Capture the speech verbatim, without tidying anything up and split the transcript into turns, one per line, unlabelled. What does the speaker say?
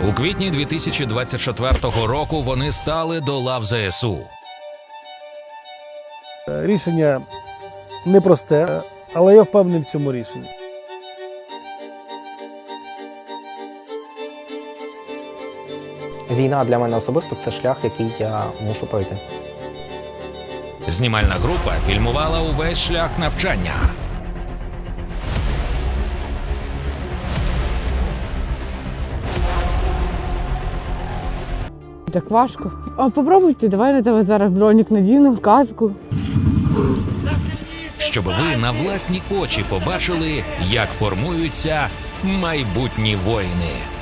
У квітні дві тисячі двадцять четвертого року вони стали до лав Зе Ес У.
Рішення непросте, але я впевнений в цьому рішенні.
Війна для мене особисто – це шлях, який я мушу пройти.
Знімальна група фільмувала увесь шлях навчання.
Так важко. А попробуйте, давай на тебе зараз бронік надінемо, каску.
Щоб ви на власні очі побачили, як формуються майбутні воїни.